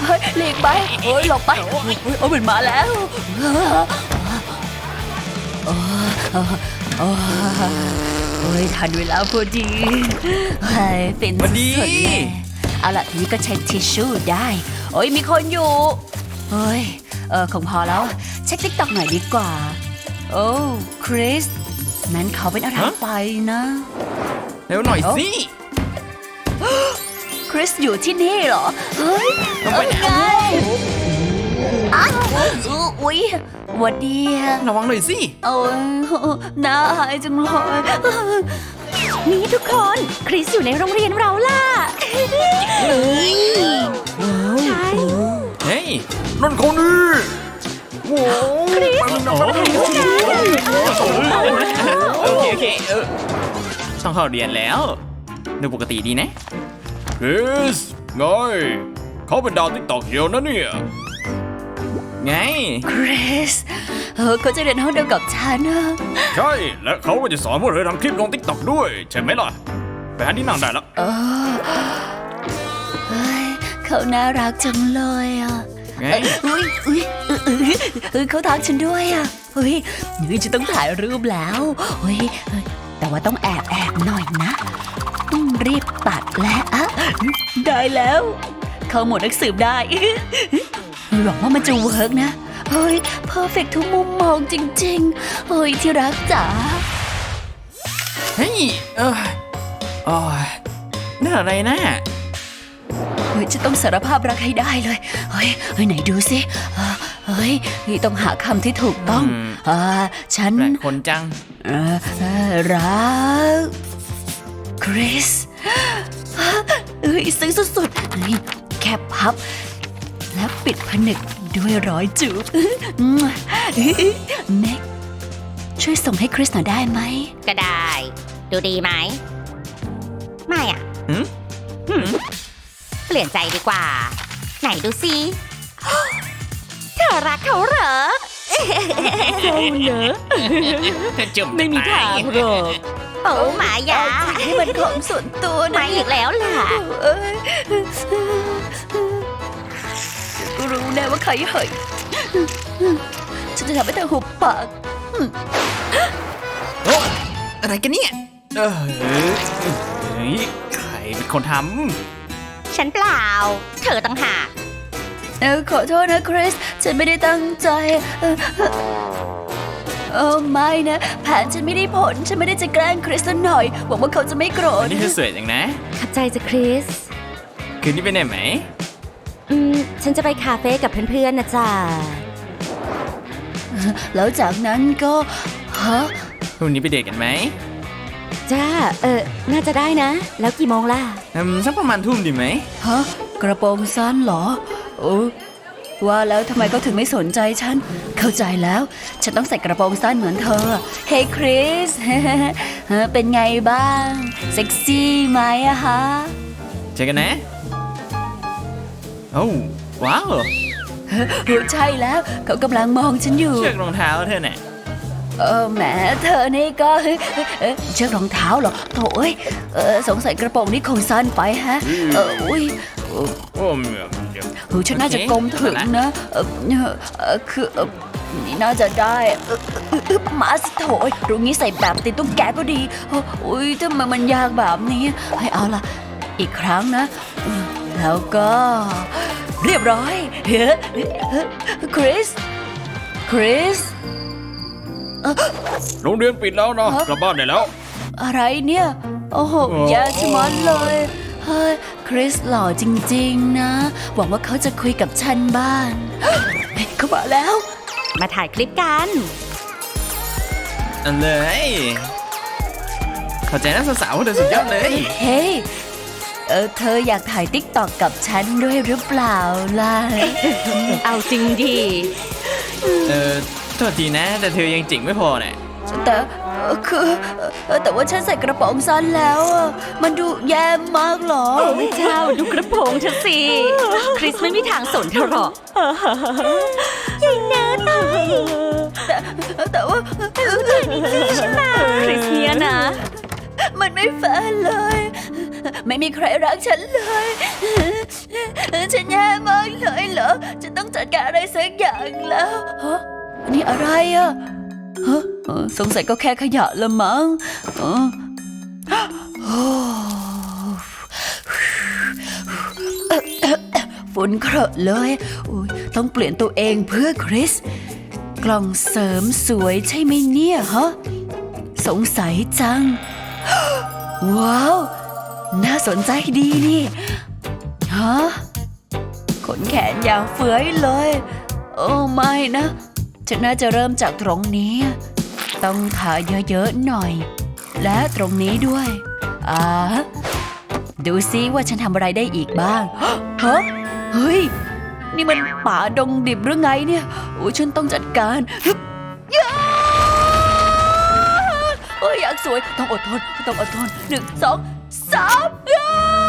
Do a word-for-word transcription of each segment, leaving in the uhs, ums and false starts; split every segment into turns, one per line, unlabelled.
เฮ้ยหลีกไปโอ้ยหลบไปโอ้ยโอ้ยมันมาแล้วโอ้โอ้โอ้ยทันเวลาพอดีเฮ้ยเป็นสุดๆเลยเอาล่ะทีนี้ก็เช็คทิชชู่ได้โอ้ยมีคนอยู่เฮ้ยเออคงพอแล้วเช็คติ๊กต็อกหน่อยดีกว่าโอ้คริสนั้นเขาเป็นอะไรไปนะ
เร็วหน่อยสิ
คริสอยู่ที่นี่เหรอเฮ้ย
ต้องไปไหน
อุ๊ยหวัดดี
ระวังหน่อยสิ
โอ้ยน่าหายจังเลยนี่ทุกคนคริสอยู่ในโรงเรียนเราล่ะใช่
เฮ้ยนั่นคนนี้โว้คริสโอเคโอเคเออต้องเข้าเรียนแล้วดูปกติดีนะ
คริสไงเขาเป็นดาวติ๊กต็อกเดียวนะเนี่ย
ไง
คริสเออเขาจะเรียนห้องเดียวกับฉันนะ
ใช่และเขาก็จะสอนพวกเธอทำคลิปลงติ๊กต็อกด้วยใช่ไหมล่ะไปหาที่นั่งได้แล้ว
เออเฮ้ยเขาน่ารักจังเลยอ่ะ
ไง
อุ้ยอุ้ยเออเขาทักฉันด้วยอ่ะเฮ้ยนี่จะต้องถ่ายรูปแล้วเฮ้ยแต่ว่าต้องแอบแอบหน่อยนะต้องรีบตัดและอะได้แล้วเข้าหมวดนักสืบได้หวังว่ามันจะเวิร์กนะเฮ้ยเพอร์เฟกต์ทุกมุมมองจริงๆเฮ้ยที่รักจ๋า
เฮ้ยเออโอ้ยนั่นอะไรนะ
เฮ้ยจะต้องสารภาพรักให้ได้เลยเฮ้ยเฮ้ยไหนดูสิเฮ้ยต้องหาคำที่ถูกต้องอ่าฉัน
คนจัง
รักคริสเฮ้ยซึ้งสุดๆนี่แค่พับแล้วปิดผนึกด้วยรอยจูบเน็กช่วยส่งให้คริสหน่อยได้ไหม
ก็ได้ดูดีไหมไม่อ่ะเปลี่ยนใจดีกว่าไหนดูสิเธอรักเขาเหรอ
เจ้าเนอะไม่มีทางหรอก
โอ้หมายา
นี่มันของส่วนตัวนะ
มาอีกแล้วล่ะ
รู้แน่ว่าใครเหยฉันจะทำให้เธอหุบปาก
โอ้อะไรกันเนี่ยเอ้ยใครเป็นคนท
ำฉันเปล่าเธอต่างหาก
เออขอโทษนะคริสฉันไม่ได้ตั้งใจเออไม่นะแผนฉันไม่ได้ผลฉันไม่ได้จะแกล้งคริสหน่อยหวังว่าเขาจะไม่โกรธ
นี่เธอสวยจังนะ
ขับใจจะคริส
คืนนี้ไปไหนไหม
อืมฉันจะไปคาเฟ่กับเพื่อนๆนะจ๊ะ
แล้วจากนั้นก็ฮะ
พรุ่งนี้ไปเดทกันไหม
จ้าเออน่าจะได้นะแล้วกี่โมงล่ะ
อืมสักประมาณทุ่มดีไหม
ฮะกระโปรงสั้นเหรอโอ้ว่าแล้วทำไมเขาถึงไม่สนใจฉันเข้าใจแล้วฉันต้องใส่กระโปรงสั้นเหมือนเธอเฮ้ยคริสเป็นไงบ้างเซ็กซี่ไหมอะฮะ
เจอกันนะโอ้ว้าว
ใช่แล้วเขากำลังมองฉันอยู่
เชือกรองเท้าเธอเนี่ย
เออแหมเธอนี่ก็เชือกรองเท้าเหรอโถ่เอ้ยสงสัยกระโปรงนี่คงสั้นไปฮะเอออุ้ย
โอ้เ
ฮ้ยฉันน่าจะกลมถึงนะเออคือนี่น่าจะได้มาสิโถยรู้งี้ใส่แบบติดตุ้งแกก็ดีอุ้ยทำไมมันยากแบบนี้ให้เอาล่ะอีกครั้งนะแล้วก็เรียบร้อยคริสคริส
โรงเรียนปิดแล้วนะกลับบ้านได้แล้ว
อะไรเนี่ยโอ้โหแย่ชะมัดเลยเฮ้ยคริสหล่อจริงๆนะหวังว่าเขาจะคุยกับฉันบ้างเขามาแล้ว
มาถ่ายคลิปกัน
อันเลยขอใจนักสาวๆเธอสุดยอดเลย
เฮ้ยเออเธออยากถ่ายติ๊กต็อกกับฉันด้วยหรือเปล่าล่ะ
เอาจริงดิ
เออโทษทีนะแต่เธอยังจิ๋งไม่พอเนี่ย
แต่คือแต่ว่าฉันใส่กระโปรงสั้นแล้วมันดูแย่มากหรอ
โอ้เจ้าดูกระโปรงเธอสิคริสไม่มีทางสนเธอหรอกยิ่งเนื้อตาย
แต่แต่ว่า
เธอนี่ใช่ไหมคริสเนี่ยนะ
มันไม่แฟร์เลยไม่มีใครรักฉันเลยฉันแย่มากเลยเหรอฉันต้องจัดการอะไรสักอย่างแล้วฮะนี่อะไรอะฮะเออสงสัยก็แค่ขยะละมั้งเออโอ้ฝุ่นเครอะเลยอุ๊ยต้องเปลี่ยนตัวเองเพื่อคริสกล่องเสริมสวยใช่ไหมเนี่ยฮะสงสัยจังว้าวน่าสนใจดีนี่ฮะขนแขนยาวเฟื้อยเลยโอ้ไม่นะฉันน่าจะเริ่มจากตรงนี้ต้องทาเยอะๆหน่อยและตรงนี้ด้วยอ่าดูซิว่าฉันทำอะไรได้อีกบ้างฮะเฮ้ยนี่มันป่าดงดิบหรือไงเนี่ยโอ้ฉันต้องจัดการฮึบย่าโอ้ยอยากสวยต้องอดทนต้องอดทนหนึ่งสองสามย่า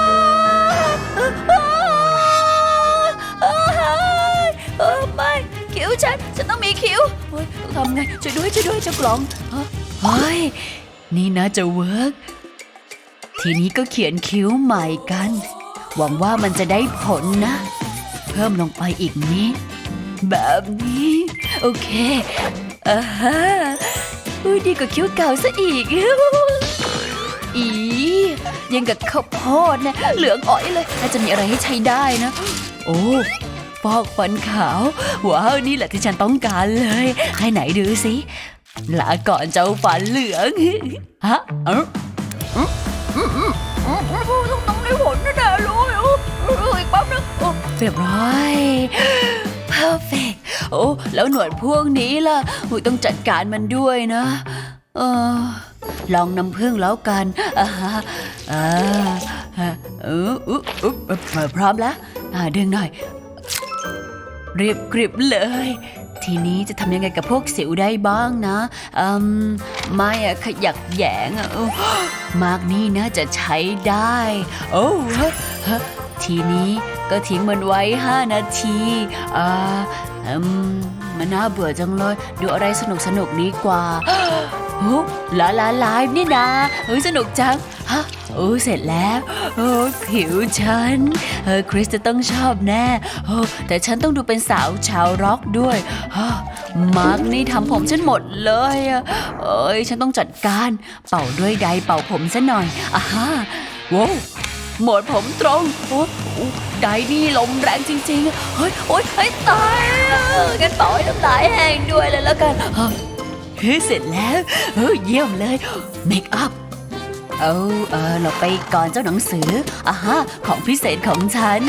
โอ้ไม่คิ้วฉันฉันต้องมีคิ้วเฮ้ยต้องทำไงช่วยด้วยช่วยด้วยเจ้ากล่องเฮ้ยนี่นะจะเวิร์กทีนี้ก็เขียนคิ้วใหม่กันหวังว่ามันจะได้ผลนะเพิ่มลงไปอีกนิดแบบนี้โอเคอ่าฮะอุ้ยดีกว่าคิ้วเก่าซะอีกอียังกับข้าวโพดนะเหลืองอ๋อยเลยน่าจะมีอะไรให้ใช้ได้นะโอ้ฟอกฟันขาวว้าวนี่แหละที่ฉันต้องการเลยให้ไหนดูสิลาก่อนเจ้าฟันเหลืองฮะเออต้องได้ผลแน่ๆเลยอีกแป๊บนึงเรียบร้อย perfect โอ้แล้วหนวดพวกนี้ล่ะต้องจัดการมันด้วยนะเออลองน้ำผึ้งแล้วกันอ่าอ่าเอออุ๊บอุ๊บพร้อมแล้วอ่าดึงหน่อยเรียบกริบเลยทีนี้จะทำยังไงกับพวกสิวได้บ้างนะอืมไม่อะขยักแยงอะมากนี่นะจะใช้ได้โอ้ฮะทีนี้ก็ทิ้งมันไว้ห้านาทีอ่าอืมมันน่าเบื่อจังเลยดูอะไรสนุกสนุกดีกว่าโอ้ลาลาไลฟ์นี่นะเฮ้ยสนุกจังฮะโอ้เสร็จแล้วโอ้ผิวฉันเออคริสจะต้องชอบแน่โอ้แต่ฉันต้องดูเป็นสาวชาวร็อกด้วยมาร์กนี่ทำผมฉันหมดเลยเอ้ยฉันต้องจัดการเป่าด้วยไดร์เป่าผมซะหน่อยอ่าฮะว้าวหมดผมตรงโอ้ไดร์นี่ลมแรงจริงๆเฮ้ยโอ๊ยให้ตายกันเป่าให้น้ำลายแห้งด้วยเลยแล้วกันเฮ้ยเสร็จแล้วเฮ้ยเยี่ยมเลยเมคอัพเอาเออเราไปก่อนเจ้าหนังสืออ่ะฮะของพิเศษของฉัน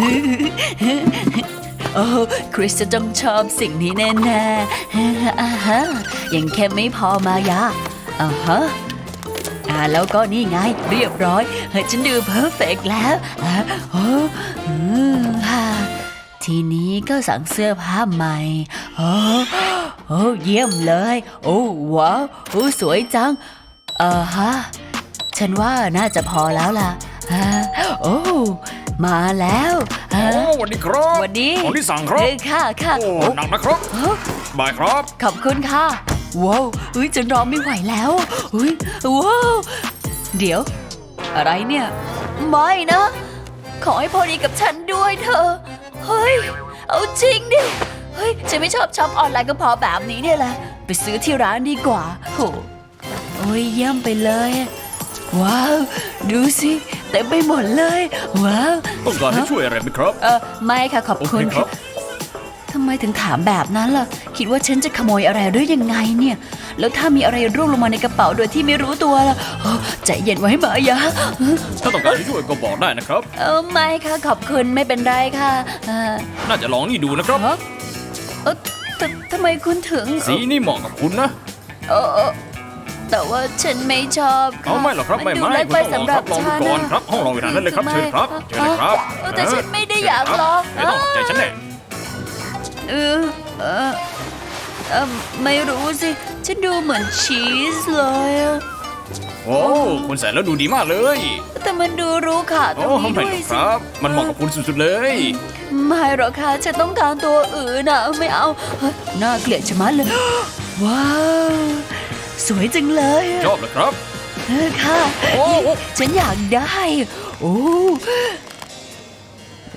โอ้คริสจะต้องชอบสิ่งนี้แน่ๆอ่ะฮะยังแค่ไม่พอมายาอ่ะฮะอ่าแล้วก็นี่ไงเรียบร้อยเฮ้ยฉันดูเพอร์เฟกต์แล้วอ่ะโอ้อืมฮ่าทีนี้ก็สั่งเสื้อผ้าใหม่โอ้โอ้เยี่ยมเลยโอ้ว้าวโอ้สวยจังเออฮะฉันว่าน่าจะพอแล้วล่ะฮะโอ้มาแล้วฮะ
โอ้สวัสดีครับ
สวัสดี
ของที่สั่งครับ
เออค่ะค่ะ
โอ้หนักนะครับบายครับ
ขอบคุณค่ะว้าวเฮ้ยฉันรอไม่ไหวแล้วเฮ้ยว้าวเดี๋ยวอะไรเนี่ยไม่นะขอให้พอดีกับฉันด้วยเธอเฮ้ยเอาจริงดิเฮ้ยฉันไม่ชอบช็อปออนไลน์ก็พอแบบนี้เนี่ยแหละไปซื้อที่ร้านดีกว่าโหโอ้ยเยี่ยมไปเลยว้าวดูสิเต็มไปหมดเลยว้าว
ต้องการให้ช่วยอะไรไหมครับ
เออไม่ค่ะขอบคุณ
โอเคครับ
ทำไมถึงถามแบบนั้นล่ะคิดว่าฉันจะขโมยอะไรหรือยังไงเนี่ยแล้วถ้ามีอะไรร่วงลงมาในกระเป๋าโดยที่ไม่รู้ตัวล่ะใจเย็นไว้มายะ
ถ้าต้องการให้ช่วยก็บอกได้นะครับ
เออไม่ค่ะขอบคุณไม่เป็นไรค่ะเออ
น่าจะลองนี่ดูนะครับ
เออเออททำไมคุณถึง
สีนี่เหมาะกับคุณนะ
เออเออแต่ว่าฉันไม่ชอบค่ะ
เอาไม่หรอกครับไม่
นดู
ไม่
เล็ก
คุณ
ไป
ต้องลอง
สำห
ค
รั
รั
บบ
ลองดู
ฉัน
ก่อน
นะครับ
ห้องรออยู่นั้นเลยครับ
ทำไม
เชิญครับเชิญเลยครับ
เออแต่ฉันไม่ได้อยากลอง
ไม่ต้องใจฉันแน่
เออเออเออไม่รู้สิฉันดูเหมือนชีสเลยอะ
โอ้คุณใส่แล้วดูดีมากเลย
แต่มันดูรู้ค่ะตร
โอ้
งนี้
ไม่
ด้ว
หร
ย
อกค
สิ
รับ มันเหมาะกับคุณสุดๆเลย
ไม่หรอกค่ะฉันต้องการตัวอื่นนะไม่เอาเฮ้ยน่าเกลียดชะมัดเลย ว้าวสวยจังเลยอะ
ชอบเหรอครับ
เออค่ะ
โอ้โอ้
ฉันอยากได้โอ้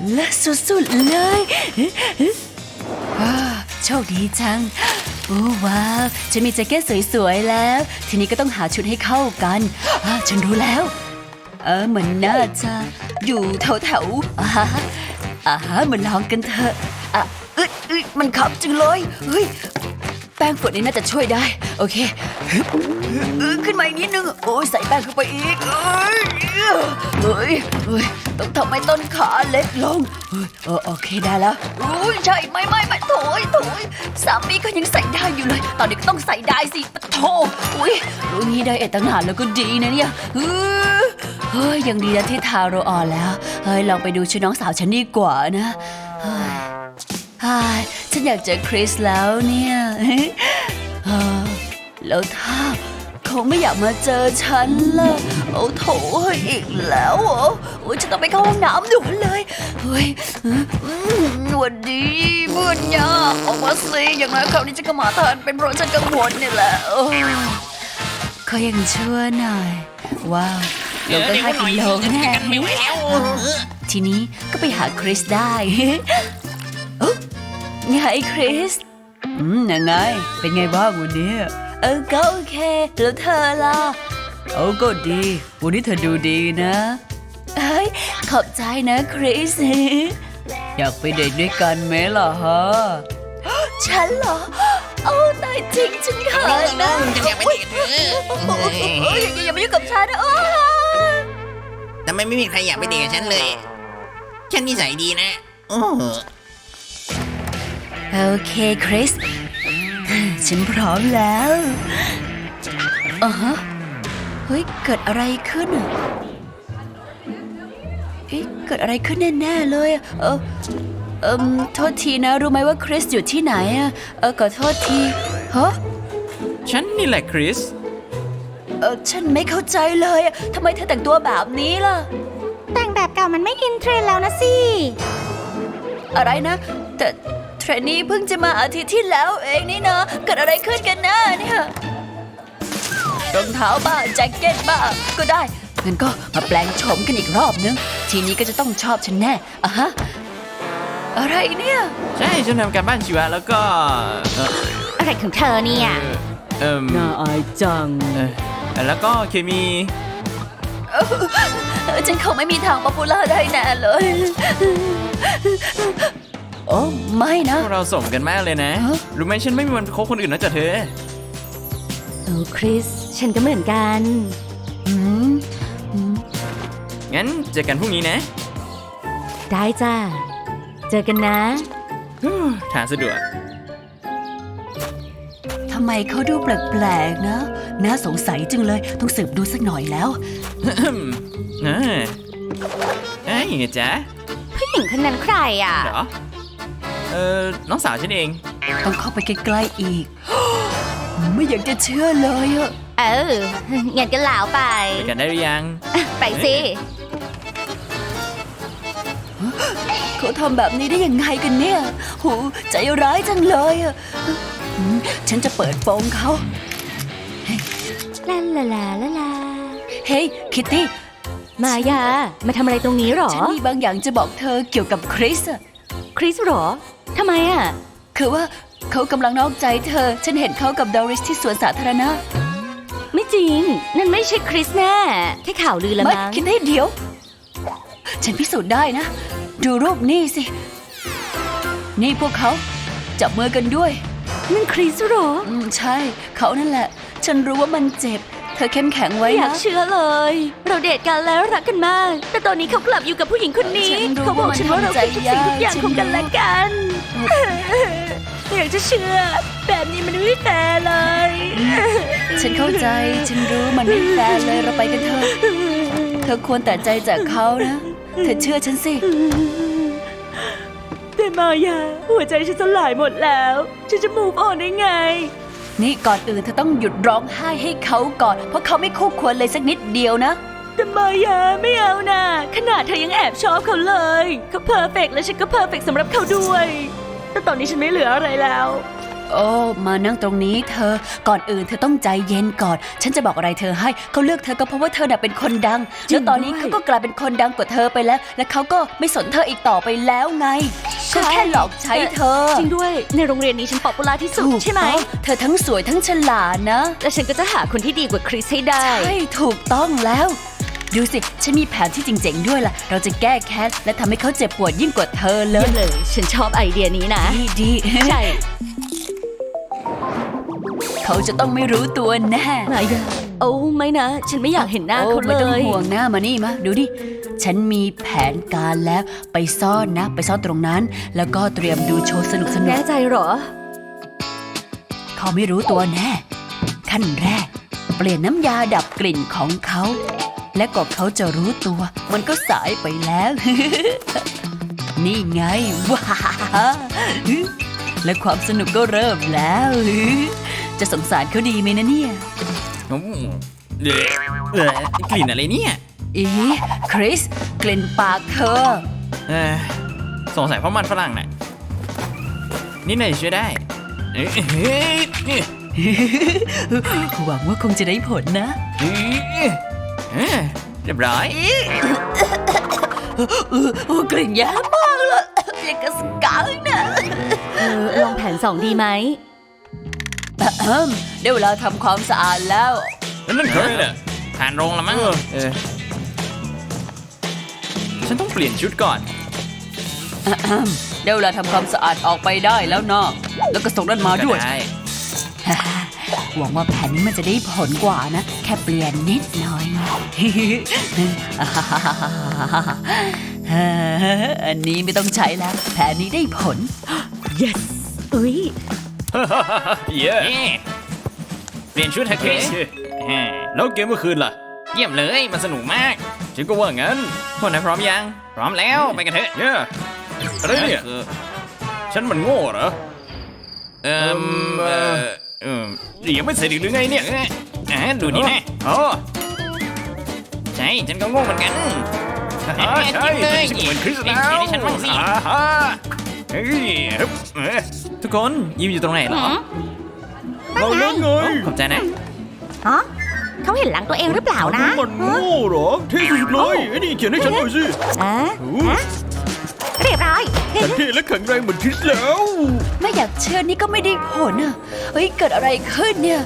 เลิศสุดๆเลยว้าโชคดีจังโอ้ว้าวฉันมีแจ็คเก็ตสวยๆแล้วทีนี้ก็ต้องหาชุดให้เข้ากันอ่าฉันรู้แล้วเออมันน่าจะอยู่แถวๆอ่าฮะอ่าฮะมาลองกันเถอะอ่ะเอ้ยเอ้ยมันขับจังเลยเฮ้ยแป้งฝุ่นนี่น่าจะช่วยได้โอเคฮึบเออขึ้นมาอีกนิดนึงโอ้ยใส่แป้งเข้าไปอีกเอ้ยเฮ้ยเฮ้ยต้องทำให้ต้นขาเล็กลงเฮ้ยเออโอเคได้แล้วโอ้ยใช่ไม่ไม่ไม่โถยโถยสามีก็ยังใส่ได้อยู่เลย ตอนนี้ก็ต้องใส่ได้สิปะโถอุ้ยรู้งี้ได้เอดตั้งนานแล้วก็ดีนะเนี่ยเฮ้ยเฮ้ยยังดีนะที่ทาโรออนแล้วเฮ้ยลองไปดูชุดน้องสาวฉันดีกว่านะเฮ้ยเฮ้ยฉันอยากเจอคริสแล้วเนี่ยเฮ้ยแล้วถ้าเขาไม่อยากมาเจอฉันล่ะโอ้โถอีกแล้วเหรอโอ้ยฉันต้องไปเข้าห้องน้ำด่วนเลยเฮ้ยสวัสดีเพื่อนยาออกมาสิอย่างไรคราวนี้ฉันก็มาทันเป็นเพราะฉันกังวลนี่แหละเขายังชั่วหน่อยว้าวลงตั้งห้ากิโลแน่ทีนี้ก็ไปหาคริสได้ไงคริสอืมยังไงเป็นไงบ้างวันนี้เออก็โอเคแล้วเธอล่ะโอ้ก็ดีวันนี้เธอดูดีนะเฮ้ยขอบใจนะคริสอยากไปเดทด้วยกันไหมล่ะฮะฉันเหรอโอ้ตายจริงฉันเขินนะอย่าไปเดทเธออย่ามายุ่งกับฉันนะโอ้
ทำไมไม่มีใครอยากไปเดทกับฉันเลย ฉันนิสัยดีนะโอ้
โอเคคริสฉันพร้อมแล้วอ่ะฮะเฮ้ยเกิดอะไรขึ้นอ่ะเฮ้ยเกิดอะไรขึ้นแน่ๆเลยเออเอ่มโทษทีนะรู้ไหมว่าคริสอยู่ที่ไหนอ่ะเออขอโทษทีฮะ
ฉันนี่แหละคริส
เออฉันไม่เข้าใจเลยอะทำไมเธอแต่งตัวแบบนี้ล่ะ
แต่งแบบเก่ามันไม่อินเทรนด์แล้วนะสิ
อะไรนะแต่เทรนนี่เพิ่งจะมาอาทิตย์ที่แล้วเองนี่นะเกิดอะไรขึ้นกันนะเนี่ยรองเท้าบ้างแจ็คเก็ตบ้างก็ได้งั้นก็มาแปลงโฉมกันอีกรอบนึงทีนี้ก็จะต้องชอบฉันแน่อะฮะอะไรเนี่ย
ใช่ฉันทำการบ้านชีวะแล้วก็เอ่อ
อะไรของเธอเนี่ย
เอ่อ
น่าอายจัง
เอ่อแล้วก็เคมี
เออฉันคงไม่มีทางป๊อปปูล่าได้แน่เลยโอ้ไม่นะ
พวกเราส่งกันมากเลยนะ
ฮะ
รู้ไหมฉันไม่มีวันคบคนอื่นนอกจากเธอ
โอ้คริส ฉันก็เหมือนกัน
อืมอืม
งั้นเจอกันพรุ่งนี้นะ
ได้จ้า เจอกันนะ
ทางสะดวก
ทำไมเขาดูแปลกๆนะน่าสงสัยจังเลยต้องสืบดูสักหน่อยแล้ว
อ่าเอ้ยไงจ๊ะ
ผู้หญิงคนนั้นใครอ่ะ
เหรอ เออน้องสาวฉันเอง
ต้องเข้าไปใกล้ๆอีก ไม่อยากจะเชื่อเลยอะ
เอองั้นก็ลาวไป
ไปกันได้หรือยัง
ไปสิ
เขาทำแบบนี้ได้ยังไงกันเนี่ยโหใจร้ายจังเลยอะอืมฉันจะเปิดโปงเขา
ลาลาลาลาลา
เฮ้ยคิตตี้
มายา มาทำอะไรตรงนี้หรอ
ฉันมีบางอย่างจะบอกเธอเกี่ยวกับคริสอะ
คริสหรอ ทำไมอ่ะ
คือว่าเขากำลังนอกใจเธอ ฉันเห็นเขากับดอริสที่สวนสาธารณะ
ไม่จริง นั่นไม่ใช่คริสแน่แค่ข่าวลือละ
ไม่
มั้ง
คิดให้เดี๋ยว ฉันพิสูจน์ได้นะ ดูรูปนี่สิ นี่พวกเขาจับมือกันด้วย
นั่นคริสหรอ
อืมใช่ เขานั่นแหละ ฉันรู้ว่ามันเจ็บ เธอเข้มแข็งไว้
ไม่อยา
นะ
กเชื่อเลย เราเดทกันแล้วรักกันมาก แต่ตอนนี้เขากลับอยู่กับผู้หญิงคนนี้
ฉันรู้
เขาบอกฉันว่าเรา
ว่ามัน
คือทุกสิ่งทุกอย่าง
ทำใจยาก
ของกันและกันไม่อยากจะเชื่อ แบบนี้มันไม่แฟร์เลย
ฉันเข้าใจ ฉันรู้มันไม่แฟร์เลย เราไปกันเถอะ เธอควรแต่ใจจากเขานะ เธอเชื่อฉันสิ
แต่มายา หัวใจฉันสลายหมดแล้ว ฉันจะ move on ได้ไง
นี่ก่อนอื่นเธอต้องหยุดร้องไห้ให้เขาก่อน เพราะเขาไม่คู่ควรเลยสักนิดเดียวนะ
แต่มายาไม่เอานะขนาดเธอยังแอบชอบเขาเลยเขาเพอร์เฟกต์และฉันก็เพอร์เฟกต์สำหรับเขาด้วย แต่ตอนนี้ฉันไม่เหลืออะไรแล้ว
โอ้มานั่งตรงนี้เธอก่อนอื่นเธอต้องใจเย็นก่อนฉันจะบอกอะไรเธอให้เขาเลือกเธอก็เพราะว่าเธอน่ะเป็นคนดังแล้วตอนนี้เขาก็กลายเป็นคนดังกว่าเธอไปแล้วและเขาก็ไม่สนเธออีกต่อไปแล้วไงก็แค่หลอกใช้เธอ
จริงด้วยในโรงเรียนนี้ฉันป๊อปปูล่าที่สุดใช่ไหม
ถูกต้องเธอทั้งสวยทั้งฉลาดนะ
และฉันก็จะหาคนที่ดีกว่าคริสให้ได้
ใช่ถูกต้องแล้วดูสิฉันมีแผนที่เจ๋งๆด้วยล่ะเราจะแก้แค้นและทำให้เขาเจ็บปวดยิ่งกว่าเธอเล
เยี่ย
ย
มเลย ฉันชอบไอเดียนี้นะ
ดีดี
ใช่
เขาจะต้องไม่รู้ตัวแน่
มายาโอ้ไม่นะ ฉันไม่อยากเห็นหน้า
โอ้
เขา
ไม่
เล
ต้อง
ย
ห่วงหน้ามานี่มาดูดิฉันมีแผนการแล้วไปซ่อนนะ ไปซ่อนตรงนั้น แล้วก็เตรียมดูโชว์สนุกสนุ
แน่
ก
ใจเหรอ
เขาไม่รู้ตัวแน่ขั้นแรก เปลี่ยนน้ำยาดับกลิ่นของเขา และก็เขาจะรู้ตัว มันก็สายไปแล้ว นี่ไงว้าและความสนุกก็เริ่มแล้ว จะสงสารเขาดีไหมนะเนี่ย
อืมเอ่อเอ่อกลิ่นอะไรเนี่ย
อีคริสกลิ่นปากเธอ
เอ่อสงสัยเพราะมันฝรั่งน่ะนี่หน่อยช่วยได้เอ้ยเฮ้ยเอ้ย
หวังว่าคงจะได้ผลนะ
เอ้ยเอ้ยเรียบร้อย
โอ้กลิ่นแย่มากเลยอย่างกับสกังนะ
เออ ลองแผนสองดีไหม
เอิ่มได้เวลาทำความสะอาดแล้ว
แล้วนั่นใครเนี่ย
ผ่านโรงแล้วมั้งเออฉันต้องเปลี่ยนชุดก่อน
ได้เวลาทำความสะอาดออกไปได้แล้วเนาะแล้วก็ส่งนั่นมาด้วย
ก็ไ
หวังว่าแผนนี้มันจะได้ผลกว่านะ แค่เปลี่ยนนิดหน่อย อันนี้ไม่ต้องใช้แล้ว แผนนี้ได้ผล
yes อุ้ย
เย้
เอ๊ะเปลี่ยนชุดเถอะคริส
แล้วเกมเมื่อคืนล่ะ
เยี่ยมเลย มันสนุกมาก
ฉันก็ว่างั้น
พวกนายพร้อมยัง พร้อมแล้ว ไปกันเถอะ
เย้อะไรเนี่ย
คือ
ฉันมันโง่เหรอ
เอ่อเอ่อเอ่อ
นี่ยังไม่เสร็จอีกหรือไงเนี่ย
เอ่ออ่ะดูนี่นะ
อ๋อ
ใช่ ฉันก็โง่เหมือนกัน
อ่าใช่
จริงเลย
ฉันเหมือนคริส
เอ้ย
แล้ว
ให้ฉันบ้างสิ
อ่าฮะเฮ้ยฮึบเอ๊ะ
ทุกคนยิ้มอยู่ตรงไหนเหรอ
เราเล่นไง
ขอบใจนะ
ฮะเขาเห็นหลังตัวเองหรือเปล่านะ
มันโง่เหรอเท่สุดเลยไอ้นี่เขียนให้ฉันหน่อยสิ
อ่ะ
โอ้
ฮะเรียบร้อย
ฉันเท่และแข็งแรงเหมือนคริสแล้ว
ไม่อยากเชื่อนี่ก็ไม่ได้ผลอ่ะ เฮ้ย เกิดอะไรขึ้นเนี่ย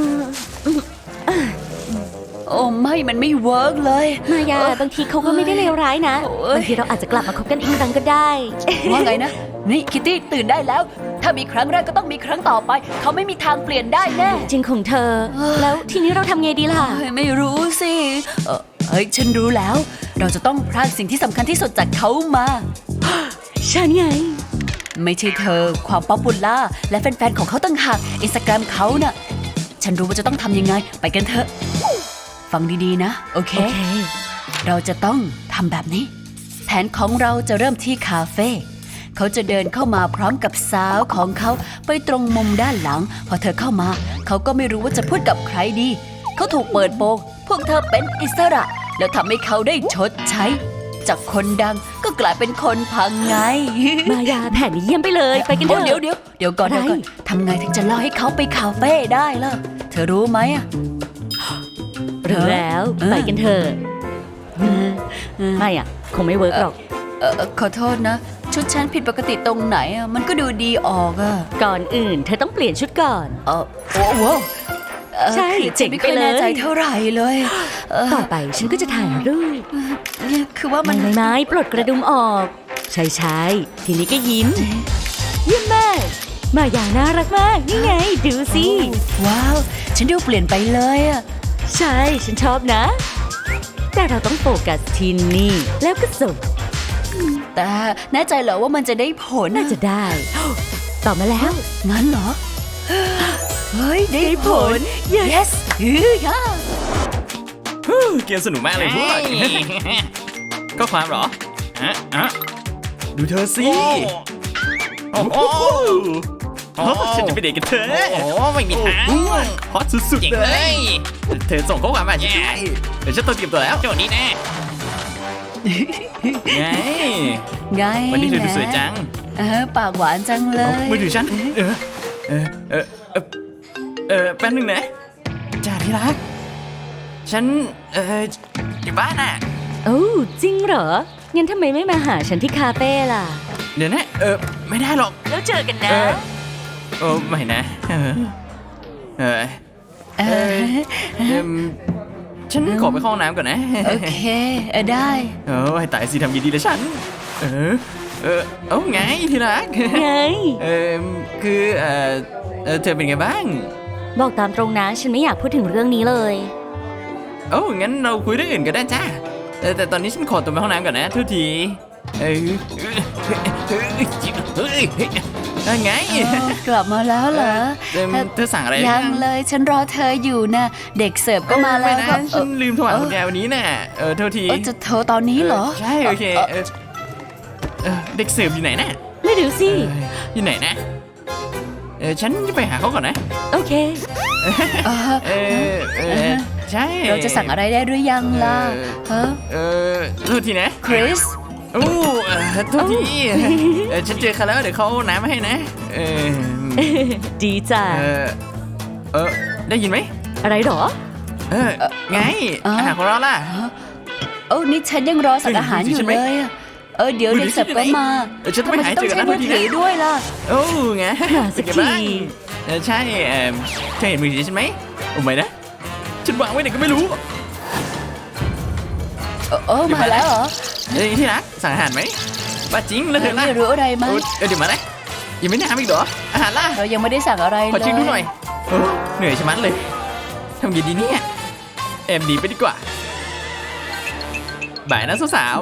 โอ้ไม่ มันไม่เวิร์กเลย
มายาบางทีเขาก็ไม่ได้เลวร้ายนะ
โอ้ย
บางทีเราอาจจะกลับมาคบกันอีกครั้งก็ได้
ว่าไงนะ นี่คิตตี้ตื่นได้แล้ว ถ้ามีครั้งแรกก็ต้องมีครั้งต่อไป เขาไม่มีทางเปลี่ยนได้แน่
จริงของเธอ แล้วทีนี้เราทำไงดีล่ะ
เฮ้ยไม่รู้สิเอ่อเฮ้ย ฉันรู้แล้ว เราจะต้องพรากสิ่งที่สำคัญที่สุดจากเขามา
ฉันไง
ไม่ใช่เธอ ความป๊อปปูล่าและแฟนๆ ของเขาต่างหากอินสตาแกรมเขาน่ะ ฉันรู้ว่าจะต้องทำยังไง ไปกันเถอะ ฟังดีๆนะ โอเค
โอเค
เราจะต้องทำแบบนี้ แผนของเราจะเริ่มที่คาเฟ่ เขาจะเดินเข้ามาพร้อมกับสาวของเขาไปตรงมุมด้านหลัง พอเธอเข้ามา เขาก็ไม่รู้ว่าจะพูดกับใครดี เขาถูกเปิดโปงพวกเธอเป็นอิสระ แล้วทำให้เขาได้ชดใช้ จากคนดังก็กลายเป็นคนพังไง
มายาแผนนี้เยี่ยมไปเลย ไปกันเถ
โอ้
อะ
เดี๋ยวเดี๋ยวเดี๋ยวก่อน
อะไร
เดี๋ยวก่อนทำไงถึงจะล่อให้เขาไปคาเฟ่ได้ล่ะ เธอรู้ไหมอะ
รู้แล้ว
เออ
ไปกันเถอะไม่อ่ะ คงไม่เวิร์กหรอก
เออเอ่อขอโทษนะ ชุดฉันผิดปกติตรงไหนอะมันก็ดูดีออกอะ
ก่อนอื่น เธอต้องเปลี่ยนชุดก่อน
เออโอ้โหเอ่อ
ใช่
คือ
เจ๋ง
ไม่
ไป
ค่อย
เลย
แน่ใจเท่าไหร่เลยเออ
ต่อไปฉันก็จะถ่ายรูป
เนี่ยคือว่ามั
ไม่
น
ไม่ไม่ปลดกระดุมออก ใช่ใช่ทีนี้ก็ยิ้ม เยี่ยมมาก มายาน่ารักมาก นี่ไง ดูสิ
ว้าว ฉันดูเปลี่ยนไปเลยอะ
ใช่ ฉันชอบนะ แต่เราต้องโฟกัสที่นี่ แล้วก็ส่ง
แต่แน่ใจเหรอว่ามันจะได้ผล
น่าจะได้ ต่อมาแล้ว
งั้นเหรอ เฮ้ย ได้ผล yes อือย่า
เกมสนุกมากเลยพวก ก็ความเหรอฮะฮะดูเธอสิ
โอ้โห
โอ้ฉันจะไปเดทกับเธอ โอ้ไม่มีทางฮอตสุดๆเลย เธอส่งข้อความมาใช่ไหมเดี๋ยวฉันต้องเตรียมตัวแล้วโจทย์นี้แน่ไง
ไง
วันนี้เธอดู
ะ
สวยจัง
เออปากหวานจังเลย
มือถือฉันเออเออเออเออเออแป๊บนึงนะจ้าที่รักฉันเอออยู่บ้านอ่ะ
โอ้จริงเหรอ งั้นทำไมไม่มาหาฉันที่คาเฟ่ล่ะ
เดี๋ยวนะเออไม่ได้หรอก
แล้วเจอกัน
เอ
นะ
อโอ้ไม่นะเออเออ
เออ
เอิ่มฉันขอไปเข้าห้องน้ำก่อนนะ
โอเคเออได้
เออให้ตายสิทำยินดีเลยฉัน เออ เออ เอาไงที่รัก
ไง
เออคือเออเออเธอเป็นไงบ้าง
บอกตามตรงนะ ฉันไม่อยากพูดถึงเรื่องนี้เลย
โอ้งั้นเราคุยเรื่องอื่นก็ได้จ้าเออแต่ตอนนี้ฉันขอตัวไปห้องน้ำก่อนนะทุกทีเออเฮ้ยเฮ้ยเฮ้ยไง
กลับมาแล้วเหรอ
เออเธอสั่งอะไร
ยังเลยฉันรอเธออยู่นะเด็กเสิร์ฟก็มาแล้ว
เออ
ก็
ไนะฉันลืมโทรหาคุณยายวันนี้น่ะเออโทษที
เออจะโทรตอนนี้เหรอ
ใช่โอเคเออเออเด็กเสิร์ฟอยู่ไหนน่ะ
ไม่รู้สิ
เอออยู่ไหนนะเออฉันจะไปหาเขาก่อนนะ
โอเค
เออ
เออเออใช่
เราจะสั่งอะไรได้หรือยังล่ะเออ
เออโทษทีนะ
คริส
โอ้เออโทษทีเออฉันเจอเขาแล้วเดี๋ยวเขาเอาน้ำมาให้นะเออ
ดีจ้ะ
เออเออได้ยินไหม
อะไรหรอ
เออไงอาหารของเราล่ะ
โอ้นี่ฉันยังรอสั่งอาหารอยู่เลยอะเออเดี๋ยว
มือ
เด็
ถื
ก
อ
เสิร์ฟก็มา
เออฉันต้องไปหา
ทำไม
เจอกัน
ต้อ
นะ
งใช้มือถือด้วยล่ะ
โอ้ไง
หาสัก
เป็นไงบ้าง
ที
เออใช่เออเธอเห็นมือถือฉันไหมโอ้ไม่นะฉันวางไว้ไหนก็ไม่รู้
เออเออมาแล้วเหรอ
เอ้ยที่รักสั่งอาหารไหมว่าจริงแล้วเธอล่ะ
ไม่รู้อะไรไหม
เออเออเดี๋ยวมานะยังไม่น้ำอีกเหรออาหารล่ะ
เรายังไม่ได้สั่งอะไรเลย
ขอเช็คดูหน่อยเออเหนื่อยชะมัดเลยทำไงดีเนี่ยแอบหนีไปดีกว่าบ่ายนะสาว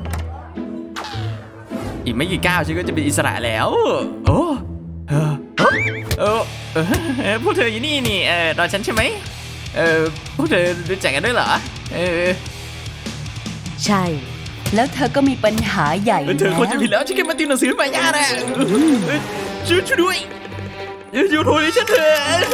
ๆอีกไม่กี่ก้าวฉันก็จะเป็นอิสระแล้ว โอ้เออเออเออเออพวกเธออยู่นี่นี่เออรอฉันใช่ไหมเออพวกเธอรู้จักกันด้วยเหรอเออ
ใช่
แล้วเธอก็มีปัญหาใหญ่
เออเธอคนจะผิดแล้วฉันแค่มาติวหนังสือมายาน่ะเออช่วยช่วยด้วยเอออยู่โทรให้ฉันเถอะ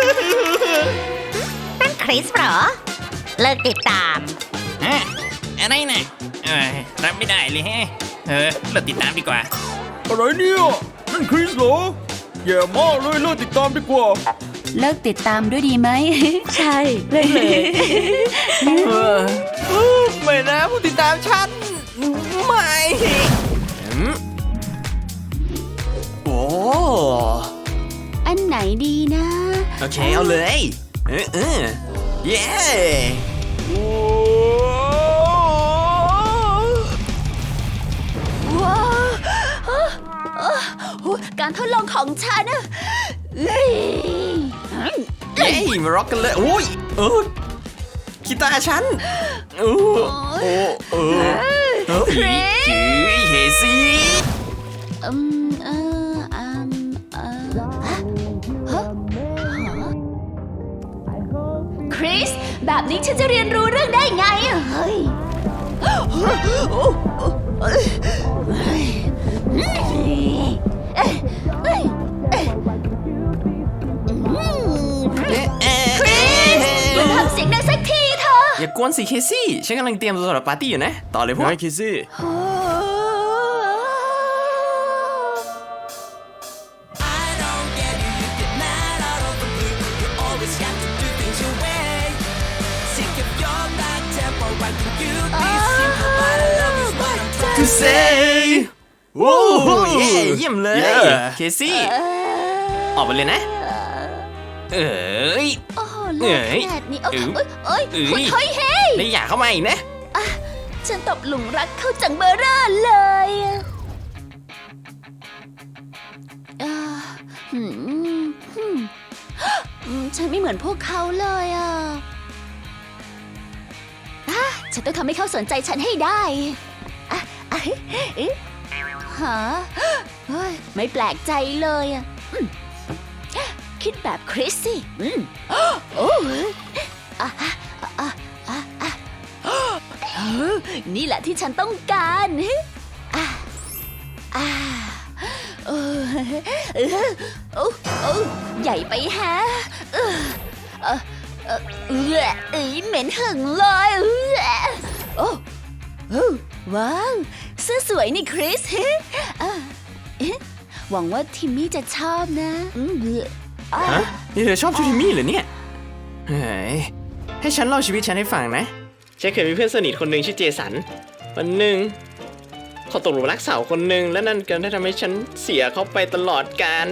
นั่นคริสเหรอ เลิกติดตาม
อะอะไรนะเออรับไม่ได้เลยแฮะเออเราติดตามดีกว่า
อะไรเนี่ยนั่นคริสเหรอแย่มากเลยเลิกติดตามดีกว่า
เลิกติดตามด้วยดีไหม
ใช่เลิกเลย
เออเออไม่นะผู้ติดตามฉันไม่อืมโอ้
อันไหนดีนะ
โอเคเอาเลยเออเออเย้
ว้าวการทดลองของฉันอะเอ้ย
เย้มาร็อกกันเลยโอ้ยเออกีตาร์ฉันโอ้โอ้เออเฮ้ยจื้อเฮซี่
อืมเอออืมเออฮะฮะคริส แบบนี้ฉันจะเรียนรู้เรื่องได้ไงอะเฮ้ยทำเสียงดังสักทีเถอะ
อย่ากวนสิเคซี่ฉันกำลังเตรียมตัวสำหรับปาร์ตี้อยู่นะ ต่อเลยพวก
ไงคิซี่
to say โอ้เย่เยี่ยมเลย เคซี่ออกไปเลยนะ เอ้ย
โอ้โห
เอ้ย
แดดนี่เอ้ย
เอ้ย
เอ้ย
เอ้ย
เฮ้ยเฮ้ยเฮ้ย
ไม่อยากเข้ามาอีกนะ
ฉันตกหลุมรักเขาจังเบอร์เร่อเลยอ่าหืมหืมอืมฉันไม่เหมือนพวกเขาเลยอ่ะอ่ะฉันต้องทำให้เขาสนใจฉันให้ได้อ่ะอ่ะเอ๊ะฮะเฮ้ยไม่แปลกใจเลยอ่ะอืมคิดแบบคริสสิอืมโอ้อ่ะอ่ะอ่ะอ่ะอ่ะ เออนี่แหละที่ฉันต้องการอ่าอ่าเออเออโอ้โอ้ใหญ่ไปฮะเออเออเออเออเอ้ยเหม็นหึงเลยเออโอ้โอ้ว้าวเสื้อสวยนี่คริสอ่าเอ๊ะหวังว่าทิมมี่จะชอบนะอืมเอ
ฮะนี่เธอชอบชูทิมี่เหรอเนี่ยเฮ้ยให้ฉันเล่าชีวิตฉันให้ฟังนะฉันเคยมีเพื่อนสนิทคนหนึ่งชื่อเจสันวันหนึ่งเขาตกหลุมรักสาวคนหนึ่งและนั่นก็ได้ทำให้ฉันเสียเขาไปตลอดกาล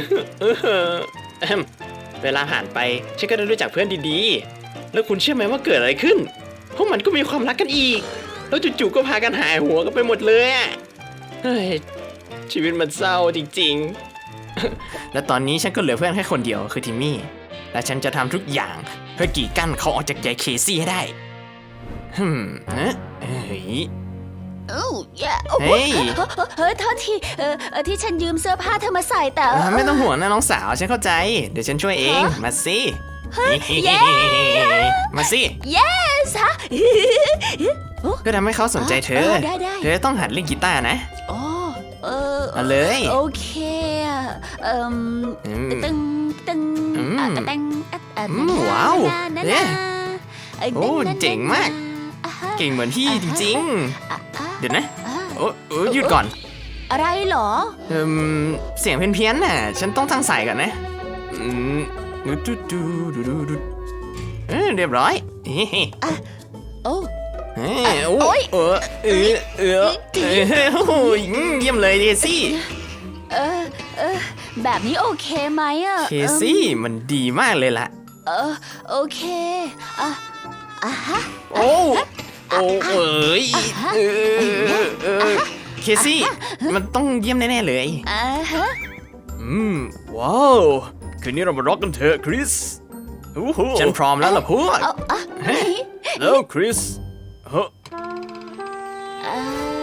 เวลาผ่านไปฉันก็ได้รู้จักเพื่อนดีๆแล้วคุณเชื่อไหมว่าเกิดอะไรขึ้นพวกมันก็มีความรักกันอีกแล้วจู่ๆก็พากันหายหัวกันไปหมดเลยอะเฮ้ยชีวิตมันเศร้าจริงๆ และตอนนี้ฉันก็เหลือเพื่อนแค่คนเดียวคือทิมมี่และฉันจะทำทุกอย่างเพื่อกีดกั้นเขาออกจากใจเคซี่ให้ได้ฮึมนะเฮ้ย
โอ้ยโอ้โห
เฮ้ย
เฮ้ยโทษทีเออเออที่ฉันยืมเสื้อผ้าเธอมาใส่แต่
อ่าไม่ต้องห่วงนะน้องสาวฉันเข้าใจเดี๋ยวฉันช่วยเองมาสิ
เย้
มาสิ
yes ฮะ
เพื่อทำให้เขาสนใจเธอ
เออได้ได้
เธอต้องหัดเล่นกีตาร์นะ
โอ้เออ
เอาเลย
โอเคอะเอ่ม
อืม
ตึงตึง
อืม
อ่ะตึงอ่ะอ่ะ
อืมว้าว
นะ
เอ๊ะ
นะ
โอ้เจ๋งมาก
อ่ะฮะ
เก่งเหมือนพี่จริง
อ่ะอ่ะ
ๆ เดี๋ยวนะ
อ่ะ
โอ้โอ้หยุดก่อน
อะไรเหรอ
เอืมเสียงเพี้ยนๆน่ะ ฉันต้องตั้งสายก่อนนะอืมดูดูดูดูดูดูเออเรียบร้อยเฮ้ย
โอ้
เฮ้ยโอ้ยเออเออเออเออโอ้ยเยี่ยมเลยเดซี่
เออเออแบบนี้โอเคไหมอะ
เคซี่มันดีมากเลยล่ะ
เออโอเคอ่ะอ่ะฮะ
โอ้โอ้เอ้ยเออเออเคซี่มันต้องเยี่ยมแน่ๆเลย
อ่าฮะ
อืม ว้าวคืนนี้เรามาร็อกกันเถอะคริสโอ้โห
ฉันพร้อมแล้วล่ะพวก
เอาอ่ะ
แล้วคริสเฮ้อ
อ่า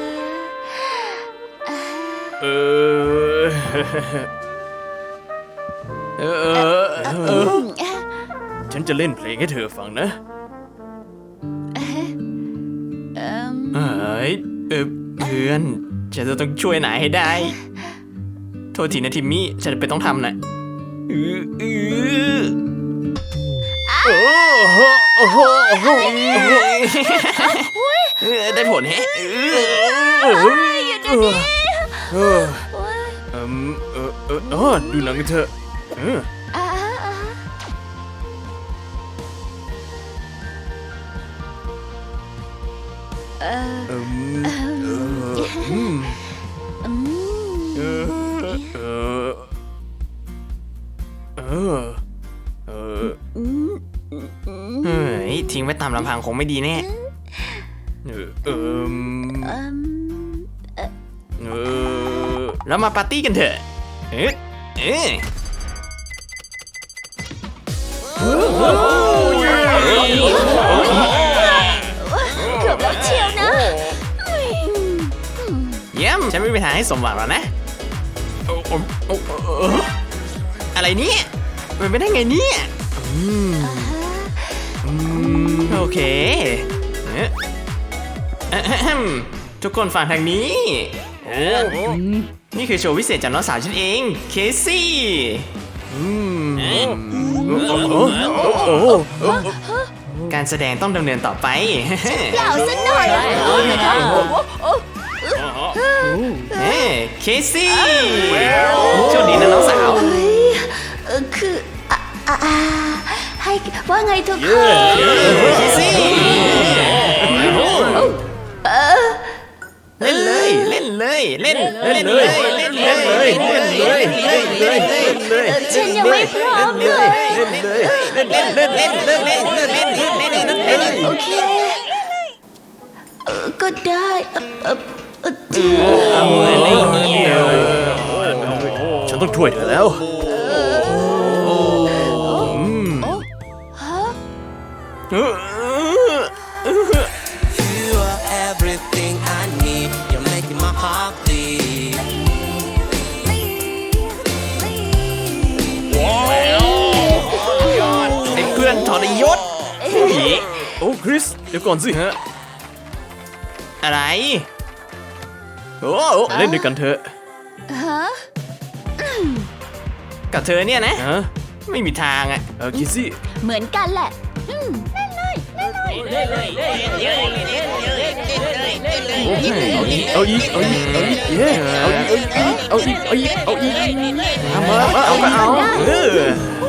อ่า
เออเออเออเออฉันจะเล่นเพลงให้เธอฟังนะ
เอิ่ม
เอ้ยเออเพื่อนฉันจะต้องช่วยนายให้ได้ โทษทีนะทิมมี่ฉันไปต้องทำนะอืออือโอ้โหโอ้โหโอ้โหเออได้ผลแฮะเออ
อยู่เดี๋ยวนี้
เออ
โอ้ย
เอมเออเออเออดูหนังกันเถอะเออ
อ่าอ่าเออ
เอมเอออืม
อืม
เออเออเออเออ
อืมอืม
เฮ้ยทิ้งไว้ตามลำพังคงไม่ดีแน่
เออเอม
เอิ่ม
เออ
แล้วมาปาร์ตี้กันเถอะเอ๊ะเอ๊ะ
เกือบแล้วเชียวนะ
เยี่ยมฉันไม่มีทางให้สมหวังหรอกนะ
โอ้โอ้โอ้โอ้
อะไรเนี่ยมันไม่ได้ไงเนี่ยอืมอืมโอเคเอ๊ะอะแฮมทุกคนฟังทางนี้เออนี่คือโชว์พิเศษจากน้องสาวฉันเอง เคซี่อืมการแสดงต้องดำเนินต่อไป
เปล่าสักหน่อยโอ้ยนะครับโอ้โหโอ้
เฮ้เคซี่โชคดีนะน้องสาว
เฮ้ยเออคืออ่ะอ่ะอ่ะให้ว่าไงทุกคน
เคซี่เล่นเลยเล่นเลยเล่นเล่นเลยเล่นเลยเล่นเลยเล่นเลยเล่นเลย
ฉันยังไม่พร้อมเลย
เล่นเลยเล่นเล่นเล่นเล่นเล่นเล่นเล่นเล่นเล่นเล่นเล่นเล่น
โอเคเออก็ได้เออเออเออเออ
ฉันต้องช่วยเธอแล้ว
ฮะ
You are everything I need. You're making my heart beat.
ไอ้เพื่อนทรยศ
โอ้คริสเดี๋ยวก่อนสิฮะ
อะไรโอ้
เล่นด้วยกันเถอะ
ฮะ
กับเธอเนี่ยนะ
ฮะ
ไม่มีทางอ่ะ
เออคิซี่
เหมือนกันแหละอืม
เ
เอาอีกเอาอีกเอาอีกเย้เอาอีกเอาอีกเอาอีกเอาอีกเอาอีกเอามาเอามาเอาเออ